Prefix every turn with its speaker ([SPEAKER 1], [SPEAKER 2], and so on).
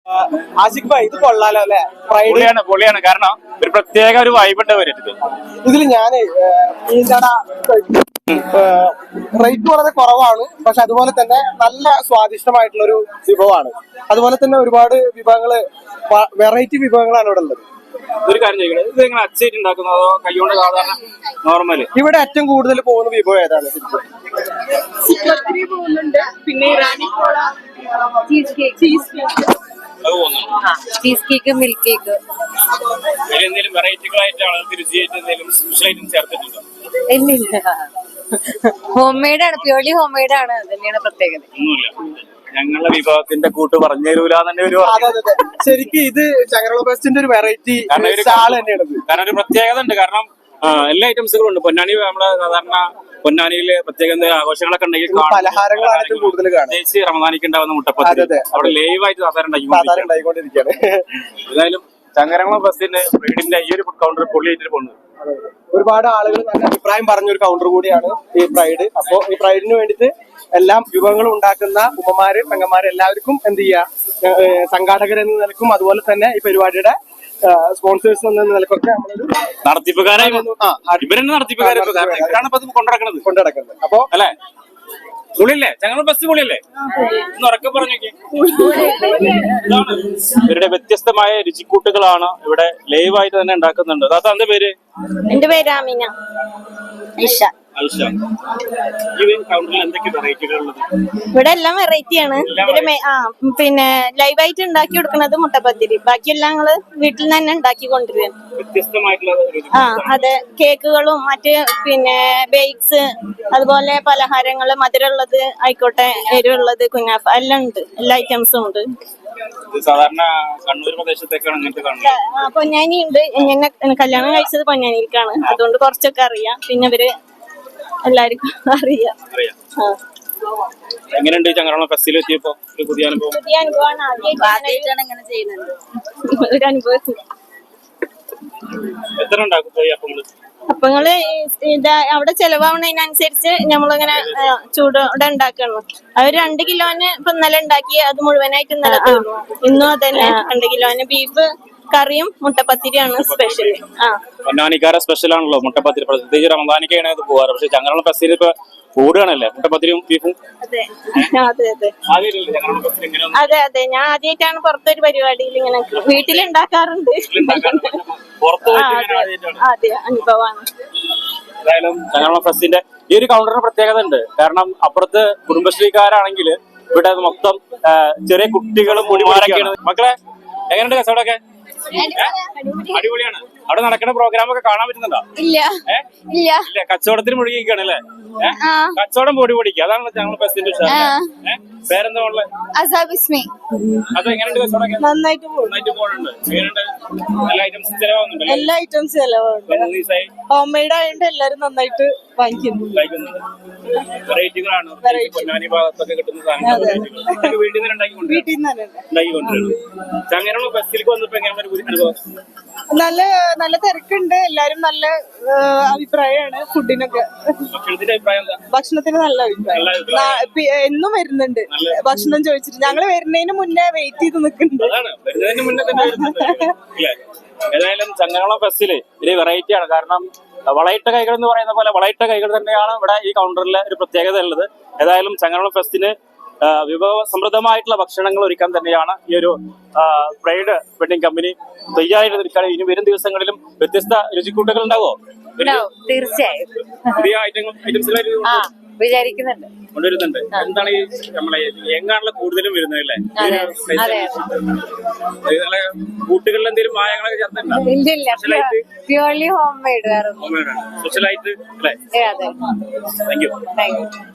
[SPEAKER 1] ആസിഫ് ഭായ് ഇത് കൊള്ളാലോ അല്ലെ?
[SPEAKER 2] പൊളിയാണ് കാരണം ഒരു പ്രത്യേക ഒരു വൈബുണ്ട് വരുന്നത്.
[SPEAKER 1] ഇതിൽ ഞാന് റേറ്റ് വളരെ കുറവാണ്, പക്ഷെ അതുപോലെ തന്നെ നല്ല സ്വാദിഷ്ടമായിട്ടുള്ള ഒരു വിഭവമാണ്. അതുപോലെ തന്നെ ഒരുപാട് വിഭവങ്ങള്, വെറൈറ്റി വിഭവങ്ങളാണ് ഇവിടെ ഉള്ളത്.
[SPEAKER 2] ഒരു കാര്യം ചോദിക്കട്ടെ, ഇത് നിങ്ങൾ അച്ചായിട്ട് ഉണ്ടാക്കുന്നത് അതോ കൈകൊണ്ട് സാധാരണ നോർമല്?
[SPEAKER 1] ഇവിടെ ഏറ്റവും കൂടുതൽ പോകുന്ന വിഭവം ഏതാണ്?
[SPEAKER 3] പോകുന്നുണ്ട്, പിന്നെ Irani cola, cheese cake, milk cake.
[SPEAKER 2] എന്തെങ്കിലും വെറൈറ്റികളായിട്ടാണ് രുചിയായിട്ട് എന്തെങ്കിലും സ്പെഷ്യൽ ഐറ്റം ചേർത്തിട്ടുണ്ടോ?
[SPEAKER 3] ഇല്ലില്ല, ഹോം മെയ്ഡ് ആണ്, പ്യൂർലി ഹോം മെയ്ഡ് ആണ്. തന്നെയാണ് പ്രത്യേകത.
[SPEAKER 2] ഒന്നുമില്ല, ഞങ്ങളുടെ വിഭവത്തിന്റെ കൂട്ട് പറഞ്ഞു തരൂല തന്നെ ഒരു.
[SPEAKER 1] ശരിക്കും ഇത് ചങ്ങരകുളം ഫെസ്റ്റിന്റെ ഒരു വെറൈറ്റി സ്റ്റാൾ തന്നെയാണ്.
[SPEAKER 2] കാരണം ഒരു പ്രത്യേകത ഉണ്ട്. കാരണം എല്ലാ ഐറ്റംസുകളും ഉണ്ട്. പൊന്നാനി നമ്മള് സാധാരണ പൊന്നാനിയില് പ്രത്യേക എന്തെങ്കിലും ആഘോഷങ്ങളൊക്കെ ഉണ്ടെങ്കിൽ
[SPEAKER 1] പലഹാരങ്ങളാണ് കൂടുതൽ കാണുന്നത്.
[SPEAKER 2] പ്രത്യേകിച്ച് റമദാനിക്ക് ഉണ്ടാവുന്ന മുട്ടപ്പത്തി അവിടെ ലൈവായിട്ട് സാധാരണ ഉണ്ടായിക്കൊണ്ടിരിക്കുകയാണ്. ഏതായാലും ചങ്ങരകുളം ഫെസ്റ്റിന്റെ വീടിന്റെ ഈ ഒരു ഫുഡ് കൗണ്ടർ പൊള്ളിയായിട്ട് പോകുന്നത്.
[SPEAKER 1] ഒരുപാട് ആളുകൾ നല്ല അഭിപ്രായം പറഞ്ഞ ഒരു കൗണ്ടർ കൂടിയാണ് ഈ പ്രൈഡ്. അപ്പോ ഈ പ്രൈഡിന് വേണ്ടിയിട്ട് എല്ലാം വിഭവങ്ങളും ഉണ്ടാക്കുന്ന ഉമ്മമാര്, പെങ്ങന്മാര് എല്ലാവർക്കും എന്ത് ചെയ്യാ, സംഘാടകരെന്ന നിലക്കും അതുപോലെ തന്നെ ഈ പരിപാടിയുടെ സ്പോൺസേഴ്സ് എന്ന നിലക്കൊക്കെ നമ്മളൊരു കൊണ്ടുനടക്കുന്നത്. അപ്പൊ
[SPEAKER 2] അല്ലെ പുള്ളിയല്ലേ ചങ്ങരകുളം ഫെസ്റ്റ് പൊളിയല്ലേ? ഒന്ന് ഉറക്കെ പറഞ്ഞേക്ക്. ഇവരുടെ വ്യത്യസ്തമായ രുചിക്കൂട്ടുകളാണ് ഇവിടെ ലൈവായിട്ട് തന്നെ ഉണ്ടാക്കുന്നുണ്ട്. അതാ എന്റെ പേര്?
[SPEAKER 3] എന്റെ പേര് ആമിന. ഇവിടെ എല്ലാം വെറൈറ്റി ആണ്. പിന്നെ ലൈവായിട്ട് ഉണ്ടാക്കി കൊടുക്കുന്നത് മുട്ടപ്പത്തിരി, ബാക്കിയെല്ലാം ഞങ്ങള് വീട്ടിൽ നിന്ന് തന്നെ ഉണ്ടാക്കി കൊണ്ടുവരികയാണ്. അതെ, കേക്കുകളും മറ്റ് പിന്നെ ബേക്സ്, അതുപോലെ പലഹാരങ്ങള്, മധുരമുള്ളത് ആയിക്കോട്ടെ, എരിവുള്ളത്, കുനാഫ എല്ലാം ഉണ്ട്. എല്ലാ ഐറ്റംസും ഉണ്ട്.
[SPEAKER 2] സാധാരണ കണ്ണൂർ പ്രദേശത്തേക്കാണ് അങ്ങനത്തെ കാണുന്നത്.
[SPEAKER 3] പൊന്നാനി ഉണ്ട്. എന്നെ കല്യാണം കഴിച്ചത് പൊന്നാനിക്കാണ്, അതുകൊണ്ട് കുറച്ചൊക്കെ അറിയാം. പിന്നെ ഇവര് എല്ലാവർക്കും അറിയാം.
[SPEAKER 2] എങ്ങനെയുണ്ട് ചങ്ങരകുളം ഫെസ്റ്റിൽ എത്തിയപ്പോ ഒരു പുതിയ അനുഭവം?
[SPEAKER 3] പുതിയ അനുഭവമാണ്. ആദ്യമായിട്ടാണ് ഇങ്ങനെ ചെയ്യുന്നത്. ഒരു അനുഭവം.
[SPEAKER 2] എത്ര ഉണ്ടാക്കും പോയി അപ്പങ്ങള്?
[SPEAKER 3] അപ്പങ്ങള് അവിടെ ചെലവാവുന്നതിനനുസരിച്ച് നമ്മളിങ്ങനെ ചൂടോടെ ഉണ്ടാക്കണം. അത് 2 കിലോന് ഇപ്പൊ ഇന്നലെ ഉണ്ടാക്കി, അത് മുഴുവനായിട്ട് ഇന്നലെ തീർന്നു. ഇന്നും അതന്നെ 2 കിലോന് ബീഫ് കറിയും മുട്ടപ്പത്തിരിയാണ് സ്പെഷ്യൽ.
[SPEAKER 2] പൊന്നാനിക്കാരെ സ്പെഷ്യൽ ആണല്ലോ മുട്ടപ്പത്തിരി. പ്രത്യേകിച്ച് റമദാനിക്കാണ് ഇത് പോവാറ്. പക്ഷെ ചങ്ങരകുളം ഫെസ്റ്റിൽ ഇപ്പൊ കൂടുകയാണല്ലേ മുട്ടപ്പത്തിരിയും ബീഫും?
[SPEAKER 3] അതെ അതെ, ഞാൻ ആദ്യമായിട്ടാണ് പുറത്തൊരു പരിപാടിയിൽ ഇങ്ങനെ വീട്ടിലുണ്ടാക്കാറുണ്ട്. അതെ, അനുഭവമാണ്.
[SPEAKER 2] ഏതായാലും ചങ്ങരകുളം ഫെസ്റ്റിന്റെ ഈ ഒരു കൗണ്ടറിന് പ്രത്യേകത ഉണ്ട്. കാരണം അപ്പുറത്ത് കുടുംബശ്രീക്കാരാണെങ്കിൽ ഇവിടെ മൊത്തം ചെറിയ കുട്ടികളും മുടിമാരൊക്കെയാണ്. മക്കളെ എങ്ങനെയുണ്ട് കച്ചവടമൊക്കെ? അടിപൊളിയാണ്. അവിടെ നടക്കുന്ന പ്രോഗ്രാം ഒക്കെ കാണാൻ പറ്റുന്നുണ്ടോ?
[SPEAKER 3] ഇല്ല,
[SPEAKER 2] കച്ചവടത്തിന് മുഴുകിയിരിക്കുകയാണ് അല്ലേ? കച്ചവടം പൊടിക്കുക, അതാണ് ഞങ്ങൾ ഫെസ്റ്റിന്റെ പേരെന്താ ഉള്ളത്? അത് എങ്ങനെയുണ്ട് കച്ചവടമൊക്കെ?
[SPEAKER 3] നന്നായിട്ട്
[SPEAKER 2] പോകുന്നുണ്ട്. എങ്ങനെയുണ്ട്? എല്ലാ ഐറ്റംസും ചെലവാകുന്നുണ്ട്?
[SPEAKER 3] എല്ലാ ഐറ്റംസും ചെലവാകുന്നുണ്ട്. ഹോം മെയ്ഡ് ആയതുകൊണ്ട് എല്ലാരും നന്നായിട്ട് വാങ്ങിക്കുന്നു.
[SPEAKER 2] വെറൈറ്റികളാണ് പൊന്നാനി ഭാഗത്തൊക്കെ കിട്ടുന്ന സാധനങ്ങൾ വീട്ടിൽ നിന്ന് ഉണ്ടാക്കിക്കൊണ്ടിരുന്നു. ചങ്ങരകുളം ഫെസ്റ്റിലേക്ക് വന്നപ്പോ എങ്ങനെ അനുഭവം?
[SPEAKER 3] നല്ല തിരക്കുണ്ട്. എല്ലാരും നല്ല അഭിപ്രായമാണ്. ഫുഡിനൊക്കെ ഭക്ഷണത്തിന് നല്ല അഭിപ്രായം. എന്നും വരുന്നുണ്ട് ഭക്ഷണം ചോദിച്ചിട്ട്. ഞങ്ങള് വരുന്നതിന് മുന്നേ വെയിറ്റ് ചെയ്ത് നിൽക്കുന്നുണ്ട്.
[SPEAKER 2] ഏതായാലും ചങ്ങരകുളം ഫെസ്റ്റില് ഒരു വെറൈറ്റിയാണ്. കാരണം വളയിട്ട കൈകൾ എന്ന് പറയുന്ന പോലെ വളയിട്ട കൈകൾ തന്നെയാണ് ഇവിടെ ഈ കൗണ്ടറിലെ ഒരു പ്രത്യേകത ഉള്ളത്. ഏതായാലും ചങ്ങരകുളം ഫെസ്റ്റിന് വിഭവ സമൃദ്ധമായിട്ടുള്ള ഭക്ഷണങ്ങൾ ഒരുക്കാൻ തന്നെയാണ് ഈ ഒരു പ്രൈഡ് വെഡിങ് കമ്പനി തയ്യാറായിട്ട് നിൽക്കുകയാണ്. ഇനി വരും ദിവസങ്ങളിലും വ്യത്യസ്ത രുചിക്കൂട്ടുകൾ ഉണ്ടാവോ?
[SPEAKER 3] തീർച്ചയായും
[SPEAKER 2] പുതിയ ഐറ്റംസ്
[SPEAKER 3] വിചാരിക്കുന്നുണ്ട്,
[SPEAKER 2] കൊണ്ടുവരുന്നുണ്ട്. എന്താണ് ഈ നമ്മളെ എങ്ങാണല്ലോ കൂടുതലും വരുന്നത് അല്ലേ? കൂട്ടുകളിൽ എന്തെങ്കിലും മായങ്ങളൊക്കെ ചേർത്തിട്ടുണ്ടോ?
[SPEAKER 3] Purely home made.
[SPEAKER 2] സ്പെഷ്യലായിട്ട് അല്ലേ?
[SPEAKER 3] അതെ.
[SPEAKER 2] Thank U.